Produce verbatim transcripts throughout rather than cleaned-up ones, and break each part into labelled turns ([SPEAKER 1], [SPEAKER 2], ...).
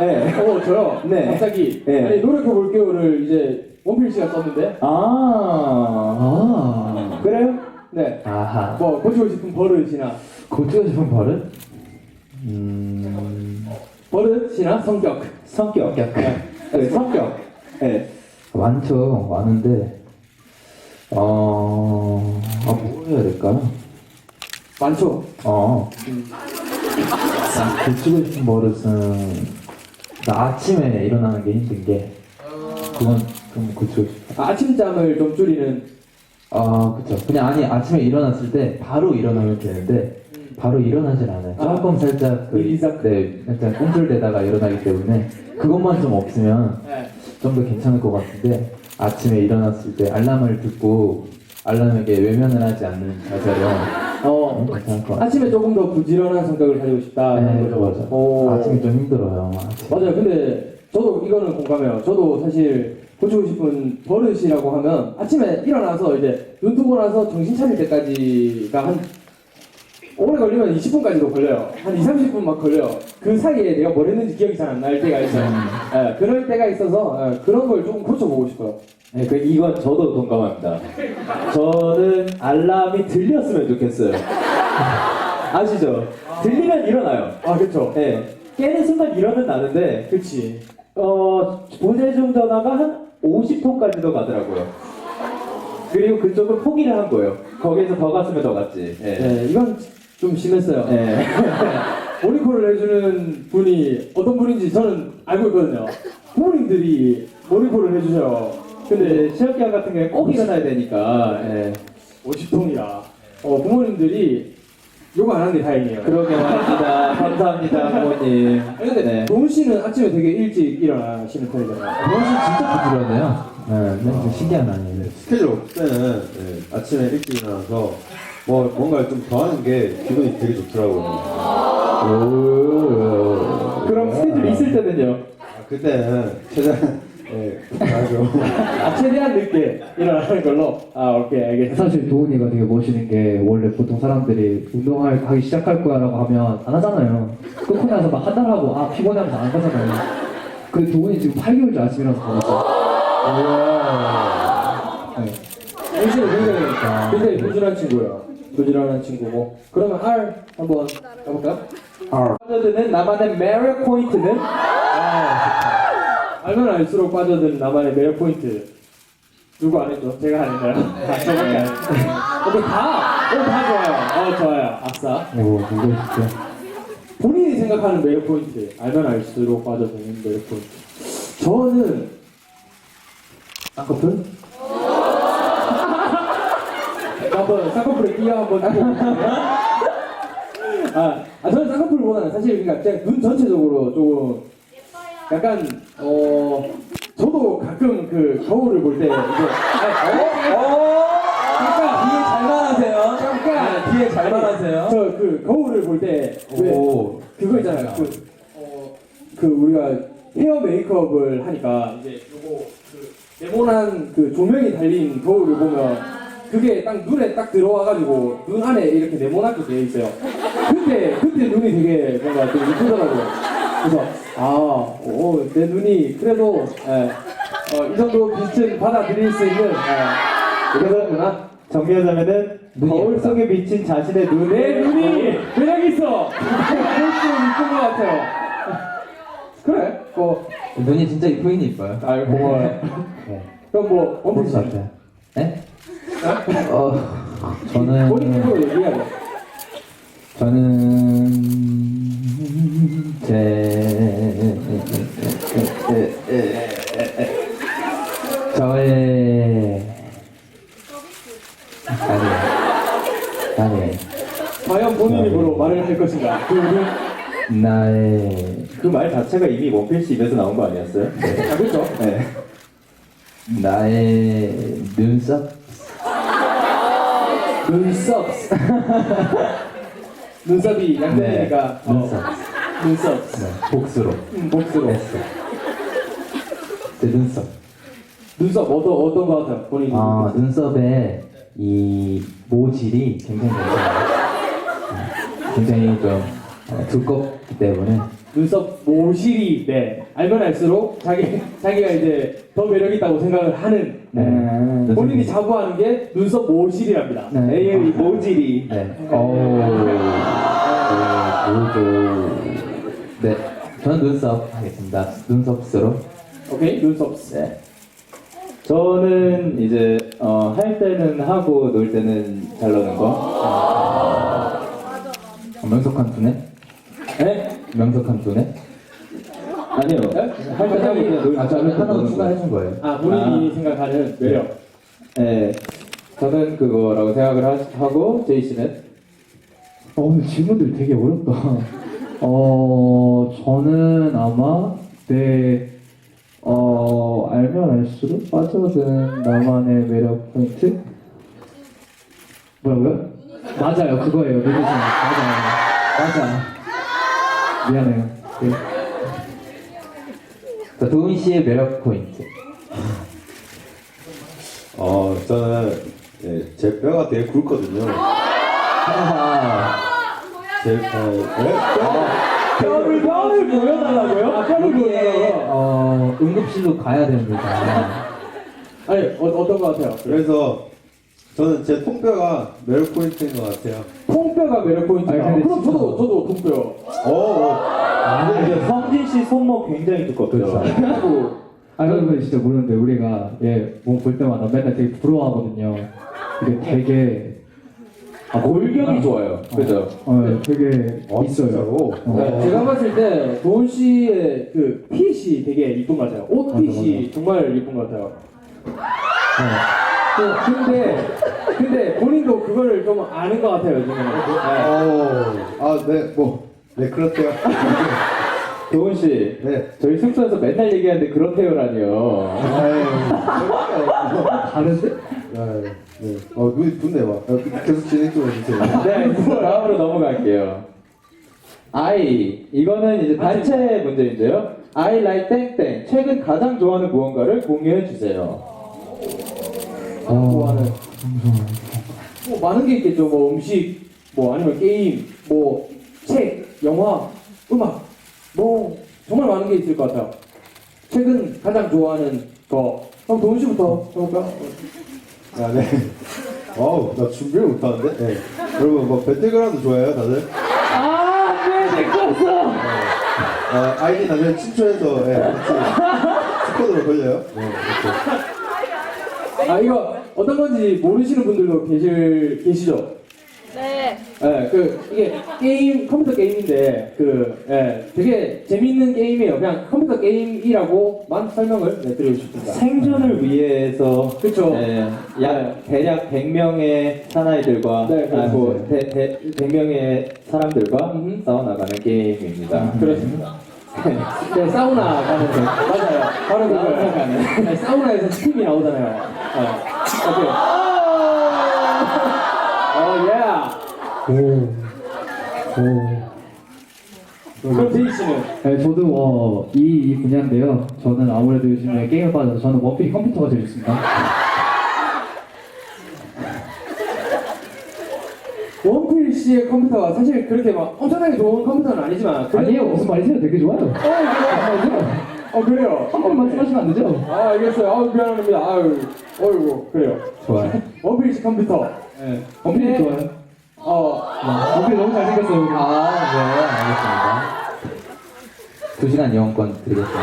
[SPEAKER 1] 네.
[SPEAKER 2] 어 저요.
[SPEAKER 1] 네.
[SPEAKER 2] 갑자기
[SPEAKER 1] 네.
[SPEAKER 2] 아니 노력해 볼게요를 이제 원필씨가 썼는데.
[SPEAKER 1] 아, 아, 그래요?
[SPEAKER 2] 네.
[SPEAKER 3] 아하.
[SPEAKER 2] 뭐 고치고 싶은 버릇이나
[SPEAKER 3] 고치고 싶은 버릇? 음.
[SPEAKER 2] 버릇이나 성격.
[SPEAKER 1] 성격.
[SPEAKER 3] 성격.
[SPEAKER 1] 네, 성격. 네.
[SPEAKER 3] 많죠. 많은데. 어. 아, 뭐 해야 될까요?
[SPEAKER 2] 많죠.
[SPEAKER 3] 어.
[SPEAKER 2] 음.
[SPEAKER 3] 나 고치고 싶은 버릇은. 나 아침에 일어나는 게 힘든 게. 그건 좀 고치고 싶어.
[SPEAKER 2] 아, 아침잠을 좀 줄이는.
[SPEAKER 3] 아, 그쵸. 그냥 아니, 아침에 일어났을 때 바로 일어나면 되는데, 바로 일어나질 않아요.
[SPEAKER 2] 아,
[SPEAKER 3] 조금 살짝 그,
[SPEAKER 2] 일이상.
[SPEAKER 3] 네, 살짝 꿈틀대다가 일어나기 때문에 그것만 좀 없으면
[SPEAKER 2] 네.
[SPEAKER 3] 좀 더 괜찮을 것 같은데 아침에 일어났을 때 알람을 듣고 알람에게 외면을 하지 않는 자세로
[SPEAKER 2] 어.
[SPEAKER 3] 괜찮을 것 같아요.
[SPEAKER 2] 아침에 조금 더 부지런한 성격을 가지고 싶다.
[SPEAKER 3] 네, 맞아.
[SPEAKER 2] 오.
[SPEAKER 3] 아침이 좀 힘들어요. 아침.
[SPEAKER 2] 맞아요. 근데 저도 이거는 공감해요. 저도 사실 고치고 싶은 버릇이라고 하면 아침에 일어나서 이제 눈 뜨고 나서 정신 차릴 때까지가 한 오래 걸리면 이십 분까지도 걸려요. 한 이, 삼십 분 막 걸려요. 그 사이에 내가 뭘 했는지 기억이 잘 안 날 때가 있어요. 예, 그럴 때가 있어서 예, 그런 걸 조금 고쳐보고 싶어요.
[SPEAKER 1] 네, 그 이건 저도 동감합니다. 저는 알람이 들렸으면 좋겠어요. 아시죠? 들리면 일어나요.
[SPEAKER 2] 아, 그쵸.
[SPEAKER 1] 네, 깨는 순간 일어는 나는데,
[SPEAKER 2] 그치.
[SPEAKER 1] 어, 보내준 전화가 한 오십 통까지도 가더라고요. 그리고 그쪽은 포기를 한 거예요. 거기에서 더 갔으면 더 갔지. 네.
[SPEAKER 2] 네, 이건 좀 심했어요.
[SPEAKER 1] 네.
[SPEAKER 2] 모니콜을 해주는 분이 어떤 분인지 저는 알고 있거든요. 부모님들이 모니콜을 해주셔요. 근데
[SPEAKER 1] 근데 시험 기간 같은 경우에 꼭 일어나야 되니까. 예.
[SPEAKER 2] 오십 통이라 어, 부모님들이 욕 안 하는 게 다행이에요.
[SPEAKER 1] 그러게 말입니다. 감사합니다, 부모님.
[SPEAKER 2] 아니, 근데
[SPEAKER 1] 네.
[SPEAKER 2] 동훈 씨는 아침에 되게 일찍 일어나시는 편이잖아요.
[SPEAKER 3] 동원 씨 진짜 부지런해요. 네, 네, 좀 신기한 아니에요.
[SPEAKER 4] 스케줄 없을 때는 네, 아침에 일찍 일어나서 뭐 뭔가 좀 더 하는 게 기분이 되게 좋더라고요.
[SPEAKER 3] 오.
[SPEAKER 1] 그럼 스케줄 있을 때는요?
[SPEAKER 4] 아, 그때는 최대한 네, 하죠.
[SPEAKER 2] 아, 최대한 늦게 일어나는 걸로? 아, 오케이, 알겠습니다.
[SPEAKER 5] 사실 도훈이가 되게 멋있는 게 원래 보통 사람들이 운동을 하기 시작할 거야라고 하면 안 하잖아요. 끊고 나서 막 한 달 하고 아 피곤해 하면서 안 가잖아요. 근데 도훈이 지금 팔 개월째 아침이라서 가고 있어요. 네.
[SPEAKER 2] 동훈 씨는 굉장히, 굉장히 부지런한 친구예요. 부지런한 친구고. 그러면 R 한번 가볼까요?
[SPEAKER 1] 빠져드는 나만의 매력 포인트는?
[SPEAKER 2] 알면 알수록 빠져드는 나만의 매력 포인트. 누구 안 했죠? 제가 안 했나요? 아, 저밖에 안 했어요. 오케이, 다! 오, 다 좋아요. 어, 좋아요. 아싸.
[SPEAKER 3] 오, 누구 있죠?
[SPEAKER 2] 본인이 생각하는 매력 포인트. 알면 알수록 빠져드는 매력 포인트. 저는, 쌍꺼풀? 한번 쌍꺼풀에 끼어 한번 해볼게요. 아, 아, 저는 쌍꺼풀보다는 사실 그러니까 제가 눈 전체적으로 조금 약간 어 저도 가끔 그 거울을 볼 때 이제 아, 어?
[SPEAKER 1] 그러니까 뒤에 잘 말하세요.
[SPEAKER 2] 잠깐
[SPEAKER 1] 뒤에 잘 말하세요.
[SPEAKER 2] 저 그 거울을 볼 때 왜
[SPEAKER 1] 오.
[SPEAKER 2] 그거 있잖아요. 그, 어, 그 우리가 헤어 메이크업을 하니까 이제 요거 그 네모난 그 조명이 달린 거울을 보면 그게 딱 눈에 딱 들어와가지고 눈 안에 이렇게 네모나게 되어 있어요. 그때 그때 눈이 되게 뭔가 되게 이쁘더라고요. 그래서 아오내 눈이 그래도 예, 어, 이 정도 빛은 받아들일 수 있는 예, 그러구나.
[SPEAKER 1] 정리하자면은 거울
[SPEAKER 3] 예쁘다.
[SPEAKER 1] 속에 비친 자신의
[SPEAKER 2] 내
[SPEAKER 1] 눈에
[SPEAKER 2] 눈이 매력 있어. 볼수록 이쁜 것 같아요. 그래? 뭐
[SPEAKER 3] 눈이 진짜 이쁘긴 이뻐요.
[SPEAKER 2] 아 고마워요.
[SPEAKER 3] 네.
[SPEAKER 2] 그럼 뭐
[SPEAKER 3] 그런
[SPEAKER 2] 원피스
[SPEAKER 3] 것 같아요. 네? 어, 저는
[SPEAKER 2] 본인으로 얘기하죠.
[SPEAKER 3] 저는 제 저의 아니에요. 아니에요.
[SPEAKER 2] 과연 본인 입으로 말을 할 것인가? 그는
[SPEAKER 3] 나의
[SPEAKER 1] 그 말 자체가 이미 원필씨 입에서 나온 거 아니었어요?
[SPEAKER 2] 아 그렇죠.
[SPEAKER 1] 네.
[SPEAKER 3] 나의 눈썹
[SPEAKER 2] 눈썹. 눈썹이 양면이니까
[SPEAKER 3] 네, 눈썹.
[SPEAKER 2] 어, 눈썹.
[SPEAKER 3] 네, 복수로
[SPEAKER 2] 음, 목수로.
[SPEAKER 3] 했어. 제 눈썹.
[SPEAKER 2] 눈썹 어떤 어떤 거 같아요? 본인이.
[SPEAKER 3] 아, 눈썹의 이 모질이 굉장히 괜찮아요. 네, 굉장히 좀 어, 두껍기 때문에
[SPEAKER 2] 눈썹 모실이 네 알면 알수록 자기 자기가 이제 더 매력 있다고 생각을 하는
[SPEAKER 3] 네.
[SPEAKER 2] 본인이 자부하는 게 눈썹 모실이랍니다.
[SPEAKER 5] 네.
[SPEAKER 1] 에이엠이 모질이.
[SPEAKER 3] 네. 오. 오. 네. 저는 눈썹 하겠습니다. 눈썹으로.
[SPEAKER 2] 오케이 눈썹.
[SPEAKER 1] 네. 저는 이제 어, 할 때는 하고 놀 때는 잘 노는 거.
[SPEAKER 3] 어, 명석한 두네?
[SPEAKER 1] 네?
[SPEAKER 3] 명석한 두네?
[SPEAKER 1] 아니요. 할 때 하고 그냥 놀
[SPEAKER 3] 아, 저는 하나 추가해준 거예요.
[SPEAKER 2] 아 본인이 생각하는 매력.
[SPEAKER 1] 네. 저는 그거라고 생각을 하, 하고 제이 씨는
[SPEAKER 5] 어, 오늘 질문들 되게 어렵다. 어, 저는 아마 내, 어, 알면 알수록 빠져든 나만의 매력 포인트? 뭐라고요? 맞아요, 그거예요. 누구지? 맞아요. 맞아. 미안해요. 네.
[SPEAKER 3] 자, 도훈 씨의 매력 포인트.
[SPEAKER 4] 어, 저는 예, 제 뼈가 되게 굵거든요. 제, 어, 네?
[SPEAKER 1] 뼈를 뼈를 보여달라고요?
[SPEAKER 2] 아 뼈를
[SPEAKER 3] 여기에
[SPEAKER 2] 보여요.
[SPEAKER 3] 어, 응급실로 가야 됩니다.
[SPEAKER 2] 아니 어, 어떤 것 같아요?
[SPEAKER 4] 그래서 저는 제 통뼈가 매력 포인트인 것 같아요.
[SPEAKER 2] 통뼈가 매력 포인트다.
[SPEAKER 5] 아니, 근데
[SPEAKER 2] 그럼
[SPEAKER 5] 진짜-
[SPEAKER 2] 저도 저도 통뼈.
[SPEAKER 4] 어, 어.
[SPEAKER 1] 아, 근데 성진 씨 손목 굉장히 두껍죠.
[SPEAKER 2] 그리고
[SPEAKER 5] 아, 여러분 진짜 모르는데 우리가 얘 몸 볼 때마다 맨날 되게 부러워하거든요. 이게 되게
[SPEAKER 1] 아, 골격이 좋아요. 그죠?
[SPEAKER 5] 어, 되게
[SPEAKER 4] 어,
[SPEAKER 5] 있어요.
[SPEAKER 4] 진짜로?
[SPEAKER 2] 네, 제가 봤을 때 도훈 씨의 그 핏이 되게 이쁜 것 같아요. 옷 핏이 정말 이쁜 것 같아요. 그, 근데 근데 본인도 그거를 좀 아는 것 같아요 요즘에.
[SPEAKER 4] 어, 아, 네, 뭐, 네, 그렇대요.
[SPEAKER 1] 도훈 씨,
[SPEAKER 4] 네.
[SPEAKER 1] 저희 숙소에서 맨날 얘기하는데 그렇대요라니요.
[SPEAKER 4] 아유,
[SPEAKER 5] 다른데?
[SPEAKER 4] 네, 네. 어, 눈이 붓네, 막. 어, 계속 진행 좀 해주세요.
[SPEAKER 1] 네, 다음으로 넘어갈게요. I 이거는 이제 단체 문제인데요. I like 땡땡. 최근 가장 좋아하는 무언가를 공유해 주세요.
[SPEAKER 2] 좋아하는 뭐 많은 게 있겠죠. 뭐 음식, 뭐 아니면 게임, 뭐 책, 영화, 음악, 뭐 정말 많은 게 있을 것 같아요. 최근 가장 좋아하는 거. 그럼 도훈 씨부터 해볼까?
[SPEAKER 4] 아, 네. 어우, 나 준비를 못하는데? 네. 여러분, 뭐, 배틀그라운드 좋아해요, 다들?
[SPEAKER 1] 아, 네, 내 거였어.
[SPEAKER 4] 아, 아이디 나중에 친추해서, 예, 같이 스쿼드로 걸려요. 네, 이렇게.
[SPEAKER 2] 아 이거 어떤 건지 모르시는 분들도 계실 계시죠?
[SPEAKER 6] 네.
[SPEAKER 2] 예, 그 이게 게임 컴퓨터 게임인데 그 예, 되게 재밌는 게임이에요. 그냥 컴퓨터 게임이라고만 설명을 네, 드리고 싶습니다.
[SPEAKER 1] 생존을 위해서
[SPEAKER 2] 그쵸.
[SPEAKER 1] 네, 약 대략 백 명의 사나이들과
[SPEAKER 2] 네, 그렇죠.
[SPEAKER 1] 아, 뭐, 대, 대, 백 명의 사람들과
[SPEAKER 2] 음.
[SPEAKER 1] 싸워나가는 게임입니다.
[SPEAKER 2] 그렇습니다. 네, 사우나 가는 거 맞아요. 바로 그거예요.
[SPEAKER 1] 사우나 가는.
[SPEAKER 2] 네, 사우나에서 스팀이 나오잖아요. 어, 어때요? 어, 예.
[SPEAKER 5] 오. 오.
[SPEAKER 2] 그럼 제이 씨는
[SPEAKER 5] 네, 저도 어, 이, 이 분야인데요. 저는 아무래도 요즘에 게임에 빠져서 저는 원필이 컴퓨터가 제일 좋습니다.
[SPEAKER 2] 원필 씨의 컴퓨터가 사실 그렇게 막 엄청나게 좋은 컴퓨터는 아니지만 그래도-
[SPEAKER 5] 아니에요, 무슨 말이세요? 되게 좋아요.
[SPEAKER 2] 어, 그래요? 어, 그래요?
[SPEAKER 5] 한 번 말씀하시면 안 되죠?
[SPEAKER 2] 아, 알겠어요. 아우, 미안합니다. 아유, 어이구, 그래요.
[SPEAKER 3] 좋아요.
[SPEAKER 2] 원필 씨 컴퓨터. 네.
[SPEAKER 5] 원필이 좋아요.
[SPEAKER 2] 어,
[SPEAKER 5] 원필이 너무 잘생겼어요. 우리.
[SPEAKER 3] 아, 네, 알겠습니다. 두 시간 이용권 드리겠습니다.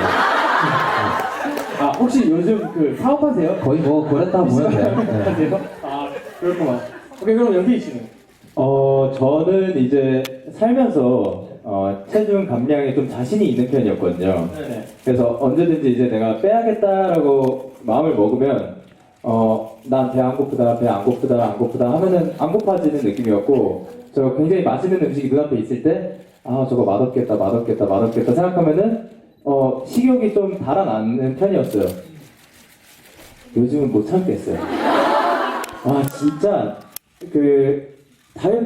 [SPEAKER 2] 아, 혹시 요즘 그 사업하세요?
[SPEAKER 3] 거의 뭐, 그랬다 보면 돼요. 네.
[SPEAKER 2] 하세요? 아, 그렇구만. 오케이, 그럼 연기 씨는?
[SPEAKER 1] 어, 저는 이제 살면서 어, 체중 감량에 좀 자신이 있는 편이었거든요.
[SPEAKER 2] 네네.
[SPEAKER 1] 그래서 언제든지 이제 내가 빼야겠다라고 마음을 먹으면 어, 난 배 안 고프다, 배 안 고프다, 안 고프다 하면은 안 고파지는 느낌이었고 저 굉장히 맛있는 음식이 눈앞에 있을 때 아, 저거 맛없겠다, 맛없겠다, 맛없겠다 생각하면은 어, 식욕이 좀 달아나는 편이었어요. 요즘은 못 참겠어요. 와, 진짜 그 다이어트